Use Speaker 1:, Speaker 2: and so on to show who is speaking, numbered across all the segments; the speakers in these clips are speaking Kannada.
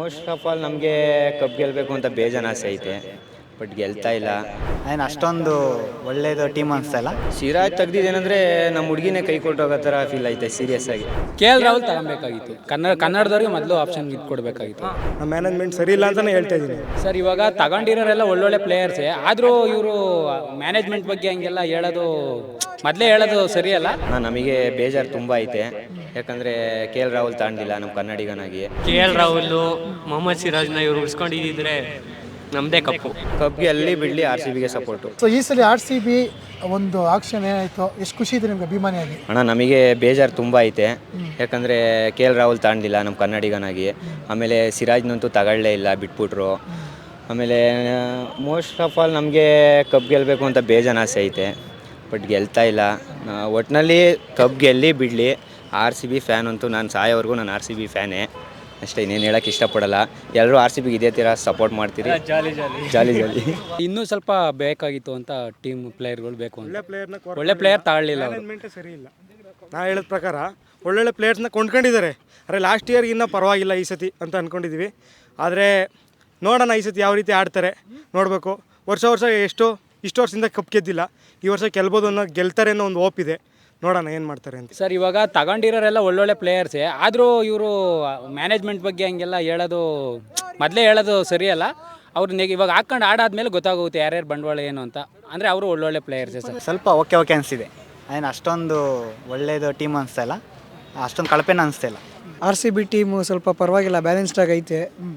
Speaker 1: ಮೋಸ್ಟ್ ಆಫ್ ಆಲ್ ನಮಗೆ ಕಪ್ ಗೆಲ್ಲಬೇಕು ಅಂತ ಬೇಜಾನ್ ಆಸೆ ಐತೆ, ಬಟ್ ಗೆಲ್ತಾ ಇಲ್ಲ.
Speaker 2: ಏನು ಅಷ್ಟೊಂದು ಒಳ್ಳೇದು ಟೀಮ್ ಅನಿಸ್ತಾ ಇಲ್ಲ.
Speaker 1: ಸಿರಾಜ್ ತೆಗ್ದಿದ್ದೇನೆಂದರೆ ನಮ್ಮ ಹುಡುಗಿನೇ ಕೈ ಕೊಟ್ಟೋಗೋ ಥರ ಫೀಲ್ ಐತೆ ಸೀರಿಯಸ್ ಆಗಿ.
Speaker 3: ರಾಹುಲ್ ತಗೊಬೇಕಾಗಿತ್ತು. ಕನ್ನಡದವ್ರಿಗೆ ಮೊದಲು ಆಪ್ಷನ್ ಕೊಡಬೇಕಾಗಿತ್ತು.
Speaker 4: ನಮ್ಮ ಮ್ಯಾನೇಜ್ಮೆಂಟ್ ಸರಿ ಇಲ್ಲ ಅಂತಲೇ ಹೇಳ್ತಾ ಇದ್ದೀನಿ
Speaker 3: ಸರ್. ಇವಾಗ ತಗೊಂಡಿರೋರೆಲ್ಲ ಒಳ್ಳೊಳ್ಳೆ ಪ್ಲೇಯರ್ಸೇ, ಆದರೂ ಇವರು ಮ್ಯಾನೇಜ್ಮೆಂಟ್ ಬಗ್ಗೆ ಹಂಗೆಲ್ಲ ಮೊದಲೇ ಹೇಳೋದು ಸರಿಯಲ್ಲ.
Speaker 1: ನಮಗೆ ಬೇಜಾರು ತುಂಬ ಐತೆ, ಯಾಕಂದರೆ ರಾಹುಲ್ ತಗೊಂಡಿಲ್ಲ ನಮ್ಮ ಕನ್ನಡಿಗನಾಗಿ.
Speaker 5: ರಾಹುಲ್ ಮೊಹಮ್ಮದ್ ಸಿರಾಜ್ನ ಇವರು ಉಳಿಸ್ಕೊಂಡಿದ್ದಿದ್ರೆ ನಮ್ಮದೇ ಕಪ್ಗೆ
Speaker 1: ಅಲ್ಲಿ ಬಿಡಲಿ RCBಗೆ ಸಪೋರ್ಟು.
Speaker 6: ಸೊ ಈ ಸಲ RCB ಒಂದು ಆಕ್ಷನ್ ಏನಾಯಿತು, ಎಷ್ಟು ಖುಷಿ ಇದೆ ನಿಮ್ಗೆ ಅಭಿಮಾನಿಯಾಗಿ?
Speaker 1: ನಮಗೆ ಬೇಜಾರು ತುಂಬ ಐತೆ, ಯಾಕಂದರೆ ರಾಹುಲ್ ತಗೊಂಡಿಲ್ಲ ನಮ್ಮ ಕನ್ನಡಿಗನಾಗಿ. ಆಮೇಲೆ ಸಿರಾಜ್ನಂತೂ ತಗೊಳ್ಳೇ ಇಲ್ಲ, ಬಿಟ್ಬಿಟ್ರು. ಆಮೇಲೆ ಮೋಸ್ಟ್ ಆಫ್ ಆಲ್ ನಮಗೆ ಕಪ್ ಗೆಲ್ಲಬೇಕು ಅಂತ ಬೇಜಾನ್ ಆಸೆ ಐತೆ, ಬಟ್ ಗೆಲ್ತಾ ಇಲ್ಲ. ಒಟ್ಟಿನಲ್ಲಿ ಕಪ್ ಗೆಲ್ಲಿ ಬಿಡಲಿ. RCB ಫ್ಯಾನ್ ಅಂತೂ ನಾನು ಸಾಯೋವರೆಗೂ ನಾನು RCB ಫ್ಯಾನೇ ಅಷ್ಟೇ, ಇನ್ನೇನು ಹೇಳೋಕ್ಕೆ ಇಷ್ಟಪಡಲ್ಲ. ಎಲ್ಲರೂ RCBಗೆ ಇದೇ ಥರ ಸಪೋರ್ಟ್ ಮಾಡ್ತೀರಿ. ಜಾಲಿ
Speaker 3: ಇನ್ನೂ ಸ್ವಲ್ಪ ಬೇಕಾಗಿತ್ತು ಅಂತ ಟೀಮ್ ಪ್ಲೇಯರ್ಗಳು ಬೇಕು ಅಂತ. ಒಳ್ಳೆ ಪ್ಲೇಯರ್ ತಗೊಳ್ಳಿಲ್ಲ,
Speaker 4: ಮ್ಯಾನೇಜ್ಮೆಂಟೇ ಸರಿ ಇಲ್ಲ. ನಾ ಹೇಳಿದ ಪ್ರಕಾರ ಒಳ್ಳೊಳ್ಳೆ ಪ್ಲೇಯರ್ಸ್ನ ಕೊಂಡ್ಕೊಂಡಿದ್ದಾರೆ. ಅರೆ ಲಾಸ್ಟ್ ಇಯರ್ಗೆ ಇನ್ನೂ ಪರವಾಗಿಲ್ಲ ಈ ಸತಿ ಅಂತ ಅಂದ್ಕೊಂಡಿದ್ದೀವಿ. ಆದರೆ ನೋಡೋಣ ಈ ಸತಿ ಯಾವ ರೀತಿ ಆಡ್ತಾರೆ ನೋಡಬೇಕು. ವರ್ಷ ಇಷ್ಟು ವರ್ಷದಿಂದ ಕಪ್ ಗೆದ್ದಿಲ್ಲ, ಈ ವರ್ಷ ಗೆಲ್ಬೋದು ಅನ್ನೋ ಗೆಲ್ತಾರೆ ಅನ್ನೋ ಒಂದು ಹೋಪ್ ಇದೆ. ನೋಡೋಣ ಏನು ಮಾಡ್ತಾರೆ ಅಂತ.
Speaker 3: ಸರ್, ಇವಾಗ ತಗೊಂಡಿರೋರೆಲ್ಲ ಒಳ್ಳೊಳ್ಳೆ ಪ್ಲೇಯರ್ಸೇ, ಆದರೂ ಇವರು ಮ್ಯಾನೇಜ್ಮೆಂಟ್ ಬಗ್ಗೆ ಹಂಗೆಲ್ಲ ಮೊದಲೇ ಹೇಳೋದು ಸರಿಯಲ್ಲ. ಅವ್ರು ಇವಾಗ ಹಾಕೊಂಡು ಆಡಾದ್ಮೇಲೆ ಗೊತ್ತಾಗುತ್ತೆ ಯಾರ್ಯಾರು ಬಂಡವಾಳ ಏನು ಅಂತ. ಅಂದರೆ ಅವರು ಒಳ್ಳೊಳ್ಳೆ ಪ್ಲೇಯರ್ಸೇ ಸರ್.
Speaker 2: ಸ್ವಲ್ಪ ಓಕೆ ಅನಿಸ್ತಿದೆ. ಏನು ಅಷ್ಟೊಂದು ಒಳ್ಳೇದು ಟೀಮ್ ಅನಿಸ್ತಾ ಇಲ್ಲ, ಅಷ್ಟೊಂದು ಕಳಪೆನ ಅನಿಸ್ತಾ ಇಲ್ಲ.
Speaker 7: RCB ಟೀಮು ಸ್ವಲ್ಪ ಪರವಾಗಿಲ್ಲ, ಬ್ಯಾಲೆನ್ಸ್ಡಾಗಿ ಐತೆ.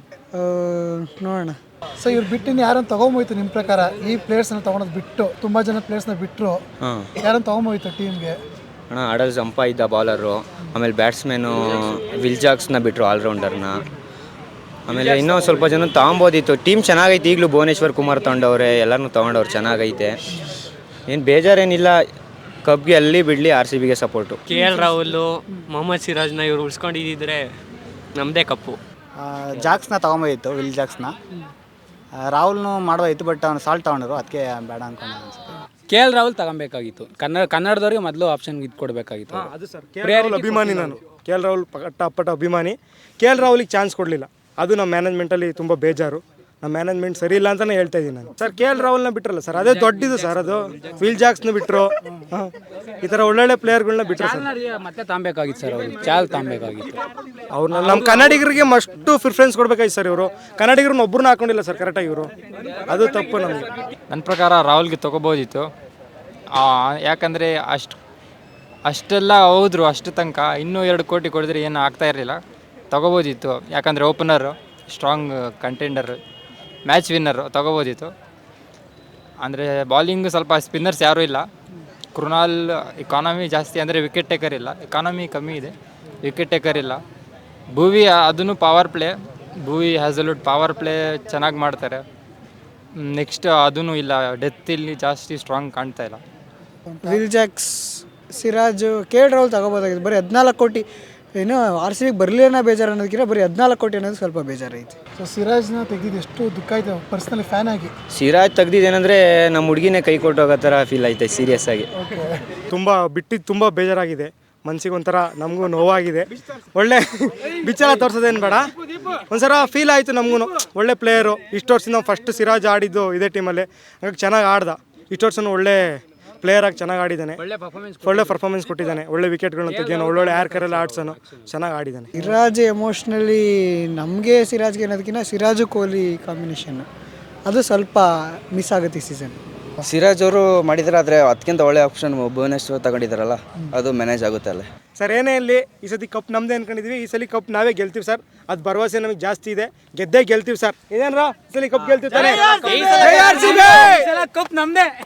Speaker 7: ನೋಡೋಣ.
Speaker 6: ಸೊ ಇವ್ರು ಬಿಟ್ಟಿನ ಯಾರನ್ನು ತೊಗೊಂಬೋಯ್ತು ನಿಮ್ಮ ಪ್ರಕಾರ? ಈ ಪ್ಲೇಯರ್ಸ್ನ ತೊಗೊಳೋದು ಬಿಟ್ಟು ತುಂಬ ಜನ ಪ್ಲೇಯರ್ಸ್ನ ಬಿಟ್ಟರು, ಯಾರನ್ನು ತೊಗೊಂಬೋಯ್ತು ಟೀಮ್ಗೆ?
Speaker 1: ಆಡಲ್ ಜಂಪ ಇದ್ದ ಬಾಲರು, ಆಮೇಲೆ ಬ್ಯಾಟ್ಸ್ಮನ್ನು ವಿಲ್ಜಾಕ್ಸ್ನ ಬಿಟ್ಟರು, ಆಲ್ರೌಂಡರ್ನ. ಆಮೇಲೆ ಇನ್ನೂ ಸ್ವಲ್ಪ ಜನ ತೊಗೊಬೋದಿತ್ತು. ಟೀಮ್ ಚೆನ್ನಾಗೈತೆ, ಈಗಲೂ ಭುವನೇಶ್ವರ್ ಕುಮಾರ್ ತೊಗೊಂಡವ್ರೆ, ಎಲ್ಲರೂ ತೊಗೊಂಡವ್ರು, ಚೆನ್ನಾಗೈತೆ. ಏನು ಬೇಜಾರೇನಿಲ್ಲ. ಕಪ್ಗೆ ಅಲ್ಲಿ ಬಿಡಲಿ, RCBಗೆ ಸಪೋರ್ಟು.
Speaker 5: ರಾಹುಲ್ ಮೊಹಮ್ಮದ್ ಸಿರಾಜ್ನ ಇವರು ಉಳಿಸ್ಕೊಂಡಿದ್ದಿದ್ರೆ ನಮ್ಮದೇ ಕಪ್ಪು.
Speaker 2: ಜಾಕ್ಸ್ನ ತೊಗೊಂಬೋದಿತ್ತು, ವಿಲ್ ಜಾಕ್ಸ್ನ. ರಾಹುಲ್ನು ಮಾಡೋದಿತ್ತು, ಬಟ್ ಅವ್ನು ಸಾಲ್ಟ್ ತೊಗೊಂಡ್ರು, ಅದಕ್ಕೆ ಬೇಡ ಅನ್ಕೊಂಡು ಅನ್ಸುತ್ತೆ.
Speaker 3: ರಾಹುಲ್ ತಗೊಬೇಕಾಗಿತ್ತು. ಕನ್ನಡದವ್ರಿಗೆ ಮೊದಲು ಆಪ್ಷನ್ ಕೊಡಬೇಕಾಗಿತ್ತು.
Speaker 4: ಅದು ಸರ್, ರಾಹುಲ್ ಅಭಿಮಾನಿ ನಾನು. ರಾಹುಲ್ ಪಟ್ಟ ಅಭಿಮಾನಿ. ರಾಹುಲಿಗೆ ಚಾನ್ಸ್ ಕೊಡಲಿಲ್ಲ, ಅದು ನಮ್ಮ ಮ್ಯಾನೇಜ್ಮೆಂಟಲ್ಲಿ ತುಂಬ ಬೇಜಾರು. ನಮ್ಮ ಮ್ಯಾನೇಜ್ಮೆಂಟ್ ಸರಿ ಇಲ್ಲ ಅಂತಲೇ ಹೇಳ್ತಾ ಇದ್ದೀನಿ ನಾನು. ಸರ್, ರಾಹುಲ್ನ ಬಿಟ್ರಲ್ಲ ಸರ್, ಅದೇ ದೊಡ್ಡದು ಸರ್. ಅದು ವಿಲ್ ಜಾಕ್ಸ್ನ ಬಿಟ್ಟರು, ಈ ಥರ ಒಳ್ಳೊಳ್ಳೆ ಪ್ಲೇಯರ್ಗಳನ್ನ ಬಿಟ್ಟರು ಸರ್.
Speaker 3: ಮತ್ತೆ ತಗೊಬೇಕಾಗಿತ್ತು ಸರ್, ಅವರು ತಗೊಬೇಕಾಗಿತ್ತು.
Speaker 4: ಅವ್ರನ್ನ ನಮ್ಮ ಕನ್ನಡಿಗರಿಗೆ ಮಸ್ಟು ಪ್ರಿಫರೆನ್ಸ್ ಕೊಡ್ಬೇಕಾಯ್ತು ಸರ್. ಇವರು ಕನ್ನಡಿಗರನ್ನ ಒಬ್ಬರನ್ನ ಹಾಕೊಂಡಿಲ್ಲ ಸರ್ ಕರೆಕ್ಟಾಗಿ. ಇವರು ಅದು ತಪ್ಪು ನಮಗೆ.
Speaker 8: ನನ್ನ ಪ್ರಕಾರ ರಾಹುಲ್ಗೆ ತೊಗೋಬೋದಿತ್ತು. ಯಾಕಂದರೆ ಅಷ್ಟೆಲ್ಲ ಹೋದ್ರು, ಅಷ್ಟು ತನಕ ಇನ್ನೂ 2 ಕೋಟಿ ಕೊಡಿದ್ರೆ ಏನು ಆಗ್ತಾ ಇರಲಿಲ್ಲ. ತೊಗೋಬೋದಿತ್ತು, ಯಾಕಂದರೆ opener, strong contender, match winner ತೊಗೋಬೋದಿತ್ತು. ಅಂದರೆ ಬಾಲಿಂಗ್ ಸ್ವಲ್ಪ ಸ್ಪಿನ್ನರ್ಸ್ ಯಾರೂ ಇಲ್ಲ. ಕೃಣಾಲ್ ಎಕಾನಮಿ ಜಾಸ್ತಿ, ಅಂದರೆ ವಿಕೆಟ್ ಟೇಕರ್ ಇಲ್ಲ. ಎಕಾನಮಿ ಕಮ್ಮಿ ಇದೆ, ವಿಕೆಟ್ ಟೇಕರ್ ಇಲ್ಲ. ಭುವಿ ಅದನ್ನು power play, Bhuvi Hazlewood power play ಚೆನ್ನಾಗಿ ಮಾಡ್ತಾರೆ. ನೆಕ್ಸ್ಟ್ ಅದೂ ಇಲ್ಲ, ಡೆತ್ ಇಲ್ಲಿ ಜಾಸ್ತಿ ಸ್ಟ್ರಾಂಗ್ ಕಾಣ್ತಾ ಇಲ್ಲ.
Speaker 7: ವಿಲ್ ಜಾಕ್ಸ್, ಸಿರಾಜು, ರಾಹುಲ್ ತಗೋಬೋದಾಗಿತ್ತು. ಬರೀ 14 ಕೋಟಿ ಏನು RCBಗೆ ಬರಲಿಲ್ಲ ಬೇಜಾರು ಅನ್ನೋದಕ್ಕಿಂತ ಬರೀ 14 ಕೋಟಿ ಅನ್ನೋದು ಸ್ವಲ್ಪ ಬೇಜಾರೈತಿ.
Speaker 6: ಸೊ ಸಿರಾಜ್ನ ತೆಗೆದಿದ್ದು ಎಷ್ಟು ದುಃಖ ಆಯಿತು ಪರ್ಸ್ನಲಿ ಫ್ಯಾನ್ ಆಗಿ.
Speaker 1: ಸಿರಾಜ್ ತೆಗ್ದಿದ್ದೇನೆಂದರೆ ನಮ್ಮ ಹುಡುಗಿನೇ ಕೈ ಕೊಟ್ಟೋಗೋ ಥರ ಫೀಲ್ ಐತೆ ಸೀರಿಯಸ್ ಆಗಿ.
Speaker 4: ತುಂಬ ಬಿಟ್ಟಿದ್ದು ತುಂಬ ಬೇಜಾರಾಗಿದೆ, ಮನಸ್ಸಿಗೆ ಒಂಥರ ನಮಗೂ ನೋವಾಗಿದೆ. ಒಳ್ಳೆ ಬಿಚ್ಚಲ ತೋರಿಸೋದೇನು ಬೇಡ, ಒಂಥರ ಫೀಲ್ ಆಯಿತು ನಮಗೂ. ಒಳ್ಳೆ ಪ್ಲೇಯರು, ಇಷ್ಟು ವರ್ಷದಿಂದ ಫಸ್ಟ್ ಸಿರಾಜ್ ಆಡಿದ್ದು ಇದೇ ಟೀಮಲ್ಲಿ, ಹಾಗಾಗಿ ಚೆನ್ನಾಗಿ ಆಡ್ದ. ಇಷ್ಟು ವರ್ಷನೂ ಒಳ್ಳೆ ಪ್ಲೇಯರ್ ಆಗಿ ಚೆನ್ನಾಗಿ ಆಡಿದ್ದಾನೆ, ಒಳ್ಳೆ ಪರ್ಫಾರ್ಮೆನ್ಸ್ ಕೊಟ್ಟಿದ್ದಾನೆ. ಒಳ್ಳೆ ವಿಕೆಟ್ಗಳನ್ನ ತೆಗಿಯೋನು, ಒಳ್ಳೊಳ್ಳೆ ಏರ್ ಕರೆಲ್ಲ ಆಡ್ಸೋನು, ಚೆನ್ನಾಗಿ ಆಡಿದ್ದಾನೆ.
Speaker 7: ಸಿರಾಜ್ ಎಮೋಷ್ನಲಿ ನಮಗೆ ಸಿರಾಜ್ಗೆ ಅನ್ನೋದಕ್ಕಿಂತ ಸಿರಾಜು ಕೊಹ್ಲಿ ಕಾಂಬಿನೇಷನ್ ಅದು ಸ್ವಲ್ಪ ಮಿಸ್ ಆಗುತ್ತೆ ಈ ಸೀಸನ್.
Speaker 9: ಸಿರಾಜ್ ಅವರು ಮಾಡಿದ್ದಾರೆ, ಆದರೆ ಅದಕ್ಕಿಂತ ಒಳ್ಳೆ ಆಪ್ಷನ್ ಭುವನೇಶ್ವರ್ ತಗೊಂಡಿದ್ದಾರಲ್ಲ, ಅದು ಮ್ಯಾನೇಜ್ ಆಗುತ್ತೆ ಅಲ್ಲೇ.
Speaker 4: ಸರ್, ಏನೇ ಇಲ್ಲಿ ಈ ಸತಿ ಕಪ್ ನಮ್ಮದೇ ಅನ್ಕೊಂಡಿದ್ವಿ. ಈ ಸಲ ಕಪ್ ನಾವೇ ಗೆಲ್ತೀವಿ ಸರ್, ಅದು ಭರವಸೆ ನಮಗೆ ಜಾಸ್ತಿ ಇದೆ. ಗೆದ್ದೇ ಗೆಲ್ತೀವಿ ಸರ್. ಇದೇನ್ರಾ ಈ ಸಲ ಕಪ್ ಗೆಲ್ತೀವಿ ತಾನೆ?
Speaker 3: ಕಪ್ ನಮ್ಮದೇ.